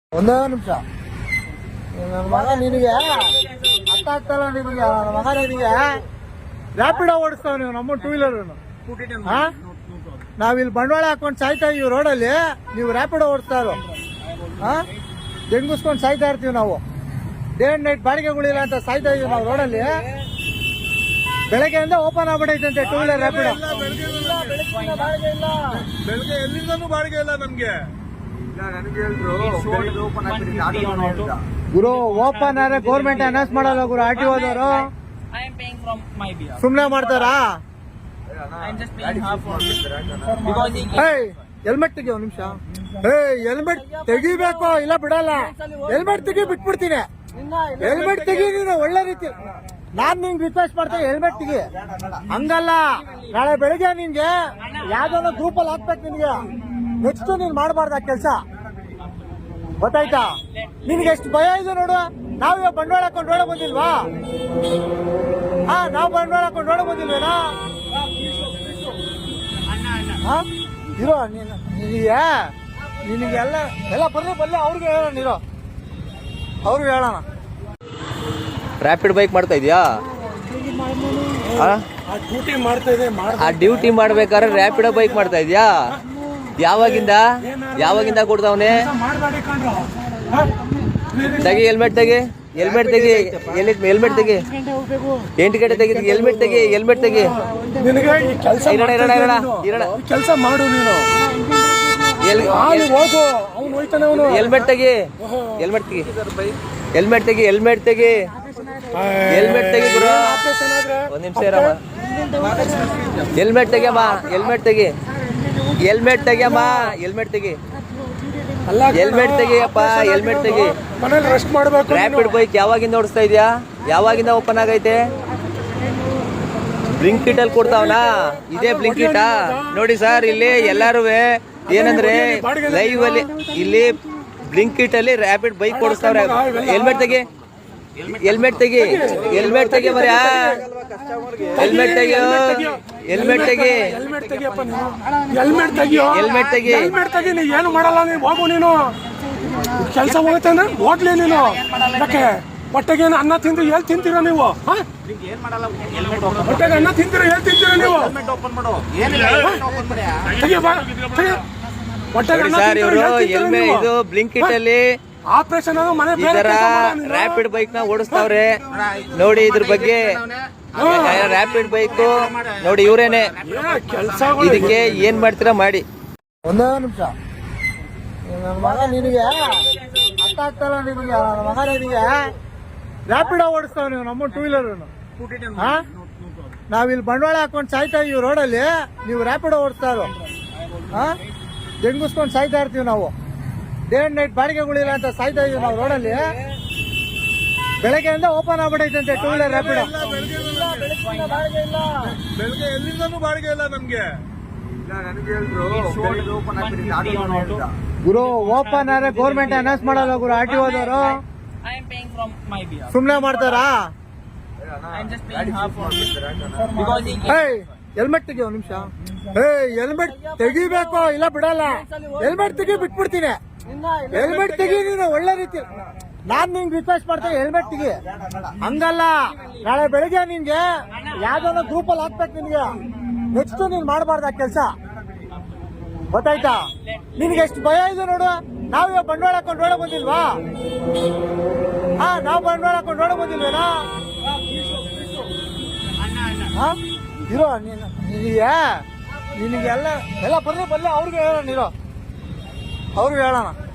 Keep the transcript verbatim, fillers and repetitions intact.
ಒಂದೇ ನಿಮಿಷ ನನ್ನ ಮಗ ನಿನಗೆ ಅರ್ಥ ಆಗ್ತಲ್ಲ ನಿನಗೆ ನನ್ನ ಮಗ ನಿನಗೆ ರ್ಯಾಪಿಡೋ ಓಡಿಸ್ತಾವ ನೀವು ನಮ್ಮ ಟೂ ವೀಲರ್ ಹಾ ನಾವಿಲ್ಲಿ ಬಂಡವಾಳ ಹಾಕೊಂಡು ಸಾಯ್ತಾ ಇದೀವಿ ರೋಡಲ್ಲಿ ನೀವು ರ್ಯಾಪಿಡೋ ಓಡಿಸ್ತಾ ಇರೋ ಹಾ ಜಂಗಿಸ್ಕೊಂಡು ಸಾಯ್ತಾ ಇರ್ತೀವಿ ನಾವು ಡೇ ಅಂಡ್ ನೈಟ್ ಬಾಡಿಗೆಗಳಿಲ್ಲ ಅಂತ ಸಾಯ್ತಾ ಇದೀವಿ ನಾವು ರೋಡಲ್ಲಿ ಬೆಳಗ್ಗೆಯಿಂದ ಓಪನ್ ಆಗ್ಬಿಟ್ಟೈತಂತೆ ಟೂ ವೀಲರ್ ರ್ಯಾಪಿಡೋ ಬೆಳಗ್ಗೆ ಎಲ್ಲಿಂದನೂ ಬಾಡಿಗೆ ಇಲ್ಲ ನಮ್ಗೆ ಗುರು ಓಪನ್ ಆದ್ರೆ ಗೌರ್ಮೆಂಟ್ ಅನೌನ್ಸ್ ಮಾಡಲ್ಲ ಗುರು ಆರ್ ಟಿ ಓದವರು ಸುಮ್ನೆ ಮಾಡ್ತಾರಾ ಹೆಲ್ಮೆಟ್ ತೆಗಿ ಒಂದ್ ನಿಮಿಷ ಏಯ್ ಹೆಲ್ಮೆಟ್ ತೆಗಿಬೇಕು ಇಲ್ಲ ಬಿಡಲ್ಲ ಹೆಲ್ಮೆಟ್ ತೆಗಿ ಬಿಟ್ಬಿಡ್ತೀನಿ ಹೆಲ್ಮೆಟ್ ತೆಗಿ ನೀನು ಒಳ್ಳೆ ರೀತಿ ನಾನ್ ನಿಂಗೆ ರಿಕ್ವೆಸ್ಟ್ ಮಾಡ್ತೇನೆ ಹೆಲ್ಮೆಟ್ ತೆಗಿ ಹಂಗಲ್ಲ ನಾಳೆ ಬೆಳಿಗ್ಗೆ ನಿನ್ಗೆ ಯಾವ್ದೋ ಗ್ರೂಪ್ ಅಲ್ಲಿ ಹಾಕ್ಬೇಕು ನಿನ್ಗೆ ನೆಕ್ಸ್ಟ್ ನೀನ್ ಮಾಡಬಾರ್ದ ಕೆಲಸ ಗೊತ್ತಾಯ್ತಾ ನಿನ್ಗೆ ಎಷ್ಟು ಭಯ ಇದೆ ನೋಡು ನಾವೀಗ ಬಂಡವಾಳ ಹಾಕೊಂಡು ನೋಡ ಬಂದಿಲ್ವಾ ಹಾ ನಾವ್ ಬಂಡವಾಳ ಹಾಕೊಂಡು ನೋಡ ಬಂದಿಲ್ವೇನಾ ಹಾ ಇರೋ ನೀನು ನಿನಗೆ ನಿನಗೆಲ್ಲ ಎಲ್ಲ ಬರ್ಲಿ ಬರ್ಲಿ ಅವ್ರಿಗೆ ಹೇಳೋಣ ನೀರೋ ಅವ್ರಿಗೆ ಹೇಳೋಣ ರ್ಯಾಪಿಡ್ ಬೈಕ್ ಮಾಡ್ತಾ ಇದೀಯಾ ಡ್ಯೂಟಿ ಮಾಡ್ತಾ ಇದೆ ಆ ಡ್ಯೂಟಿ ಮಾಡ್ಬೇಕಾದ್ರೆ ರ್ಯಾಪಿಡೋ ಬೈಕ್ ಮಾಡ್ತಾ ಇದೀಯಾ ಯಾವಾಗಿಂದ ಯಾವಾಗಿಂದ ಕೊಡ್ತಾವನೆ ತೆಗಿ ಹೆಲ್ಮೆಟ್ ತೆಗಿ ಹೆಲ್ಮೆಟ್ ತೆಗಿ ಎಲ್ಲಿ ಹೆಲ್ಮೆಟ್ ತೆಗಿ ಎಂಟು ಗಂಟೆ ತೆಗಿ ಹೆಲ್ಮೆಟ್ ತೆಗಿ ಹೆಲ್ಮೆಟ್ ತೆಗಿ ನಿನಗೆ ಈ ಕೆಲಸ ಇರೋಣ ಇರೋಣ ಇರೋಣ ಇರೋಣ ಕೆಲಸ ಮಾಡು ನೀನು ಹೋಗು ಅವ್ನು ಹೋಯ್ತಾನೆ ಅವನು ಹೆಲ್ಮೆಟ್ ತೆಗಿ ಹೆಲ್ಮೆಟ್ ತೆಗಿ ಹೆಲ್ಮೆಟ್ ತೆಗಿ ಹೆಲ್ಮೆಟ್ ತೆಗಿ ಹೆಲ್ಮೆಟ್ ತೆಗಿ ಗುರು ಒಂದ್ ನಿಮಿಷ ಇರಮ್ಮ ಹೆಲ್ಮೆಟ್ ತೆಗಿಯಮ್ಮ ಹೆಲ್ಮೆಟ್ ತೆಗಿ ಹೆಲ್ಮೆಟ್ ತೆಗಿಯಮ್ಮ ಹೆಲ್ಮೆಟ್ ತೆಗಿ ಹೆಲ್ಮೆಟ್ ತೆಗಿಯಪ್ಪ ಹೆಲ್ಮೆಟ್ ತೆಗಿ ಮನೇಲಿ ರೆಸ್ಟ್ ಮಾಡ್ಬೇಕು ರ್ಯಾಪಿಡ್ ಬೈಕ್ ಯಾವಾಗಿಂದ ಓಡಿಸ್ತಾ ಇದೆಯಾ ಯಾವಾಗಿಂದ ಓಪನ್ ಆಗೈತೆ ಬ್ಲಿಂಕಿಟ್ ಅಲ್ಲಿ ಕೊಡ್ತಾವನಾ ಇದೇ ಬ್ಲಿಂಕಿಟಾ ನೋಡಿ ಸರ್ ಇಲ್ಲಿ ಎಲ್ಲಾರು ಏನಂದ್ರೆ ಲೈವ್ ಅಲ್ಲಿ ಇಲ್ಲಿ ಬ್ಲಿಂಕಿಟ್ ಅಲ್ಲಿ ರ್ಯಾಪಿಡ್ ಬೈಕ್ ಓಡಿಸ್ತಾವ್ರೆ ಹೆಲ್ಮೆಟ್ ತೆಗಿ ಹೆಲ್ಮೆಟ್ ತೆಗಿ ಹೆಲ್ಮೆಟ್ ತೆಗಿ ಮರ್ಯ ಹೆಲ್ಮೆಟ್ ತೆಗಿಯೋ ಹೆಲ್ಮೆಟ್ ತೆಗಿ ಹೆಲ್ಮೆಟ್ ತೆಗಿಯಪ್ಪ ನೀನು ಹೆಲ್ಮೆಟ್ ತೆಗಿಯೋ ಹೆಲ್ಮೆಟ್ ತೆಗಿ ಹೆಲ್ಮೆಟ್ ತೆಗಿ ನೀ ಏನು ಮಾಡಲ್ಲ ನೀನು ಹೋಗು ನೀನು ಕೆಲಸ ಹೋಗ್ತಾನೆ ಹೋಗ್ಲಿ ನೀನು ಯಾಕೆ ಹೊಟ್ಟೆಗೆ ಅನ್ನ ತಿಂದು ಎಲ್ಲಿ ತಿಂತೀರಾ ನೀವು ಹೊಟ್ಟೆಗೆ ಅನ್ನ ತಿಂತೀರಾ ಎಲ್ಲಿ ತಿಂತೀರಾ ನೀವು ಹೊಟ್ಟೆಗೆ ಸರ್ ಇವರು ಎಲ್ಮೆ ಇದು ಬ್ಲಿಂಕಿಟ್ ಅಲ್ಲಿ ಆಪರೇಷನ್ ಮನೆ ಈ ತರ ರ್ಯಾಪಿಡ್ ಬೈಕ್ ನ ಓಡಿಸ್ತಾವ್ರೆ ನೋಡಿ ಇದ್ರ ಬಗ್ಗೆ ರ್ಯಾಪಿಡ್ ಬೈಕ್ ನೋಡಿ ಇವ್ರೇನೆ ಇದಕ್ಕೆ ಏನ್ ಮಾಡ್ತೀರಾ ಮಾಡಿ ಒಂದೇ ನಿಮಿಷ ನನ್ನ ಮಗ ನಿನಗೆ ಅರ್ಥ ಆಗ್ತಲ್ಲ ನಿನಗೆ ನನ್ನ ಮಗ ನಿನಗೆ ರ್ಯಾಪಿಡೋ ಓಡಿಸ್ತಾವ ನೀವು ನಮ್ಮ ಟೂ ವೀಲರ್ ಹಾ ನಾವಿಲ್ಲಿ ಬಂಡವಾಳ ಹಾಕೊಂಡು ಸಾಯ್ತಾ ಇದೀವಿ ರೋಡಲ್ಲಿ ನೀವು ರ್ಯಾಪಿಡೋ ಓಡಿಸ್ತಾ ಇರೋ ಹಾ ಜಂಗಿಸ್ಕೊಂಡು ಸಾಯ್ತಾ ಇರ್ತೀವಿ ನಾವು ಡೇ ಅಂಡ್ ನೈಟ್ ಬಾಡಿಗೆಗಳಿಲ್ಲ ಅಂತ ಸಾಯ್ತಾ ಇದೀವಿ ನಾವು ರೋಡಲ್ಲಿ ಬೆಳಗ್ಗೆಯಿಂದ ಓಪನ್ ಆಗ್ಬಿಟ್ಟೈತಂತೆ ಟೂ ವೀಲರ್ ರ್ಯಾಪಿಡೋ ಬೆಳಗ್ಗೆ ಎಲ್ಲಿಂದನೂ ಬಾಡಿಗೆ ಇಲ್ಲ ನಮ್ಗೆ ಗುರು ಓಪನ್ ಆದ್ರೆ ಗೌರ್ಮೆಂಟ್ ಅನೌನ್ಸ್ ಮಾಡಲ್ಲ ಗುರು ಆರ್ ಟಿ ಓದವರು ಸುಮ್ನೆ ಮಾಡ್ತಾರಾ ಹೆಲ್ಮೆಟ್ ತೆಗಿ ಒಂದ್ ನಿಮಿಷ ಏಯ್ ಹೆಲ್ಮೆಟ್ ತೆಗಿಬೇಕು ಇಲ್ಲ ಬಿಡಲ್ಲ ಹೆಲ್ಮೆಟ್ ತೆಗಿ ಬಿಟ್ಬಿಡ್ತೀನಿ ಹೆಲ್ಮೆಟ್ ತೆಗಿ ನೀನು ಒಳ್ಳೆ ರೀತಿ ನಾನ್ ನಿಂಗೆ ರಿಕ್ವೆಸ್ಟ್ ಮಾಡ್ತೇನೆ ಹೆಲ್ಮೆಟ್ ತೆಗಿ ಹಂಗಲ್ಲ ನಾಳೆ ಬೆಳಿಗ್ಗೆ ನಿನ್ಗೆ ಯಾವ್ದೋ ಗ್ರೂಪ್ ಅಲ್ಲಿ ಹಾಕ್ಬೇಕು ನಿನ್ಗೆ ನೆಕ್ಸ್ಟ್ ನೀನ್ ಮಾಡಬಾರ್ದ ಕೆಲಸ ಗೊತ್ತಾಯ್ತಾ ನಿನ್ಗೆ ಎಷ್ಟು ಭಯ ಇದೆ ನೋಡು ನಾವೀಗ ಬಂಡವಾಳ ಹಾಕೊಂಡು ನೋಡ ಬಂದಿಲ್ವಾ ಹಾ ನಾವ್ ಬಂಡವಾಳ ಹಾಕೊಂಡು ನೋಡ ಬಂದಿಲ್ವೇನಾ ಹಾ ಇರೋ ನೀನು ನಿನಗೆ ನಿನಗೆಲ್ಲ ಎಲ್ಲ ಬರ್ಲಿ ಬರ್ಲಿ ಅವ್ರಿಗೆ ಹೇಳೋಣ ಇರೋ ಅವ್ರಿಗೆ ಹೇಳೋಣ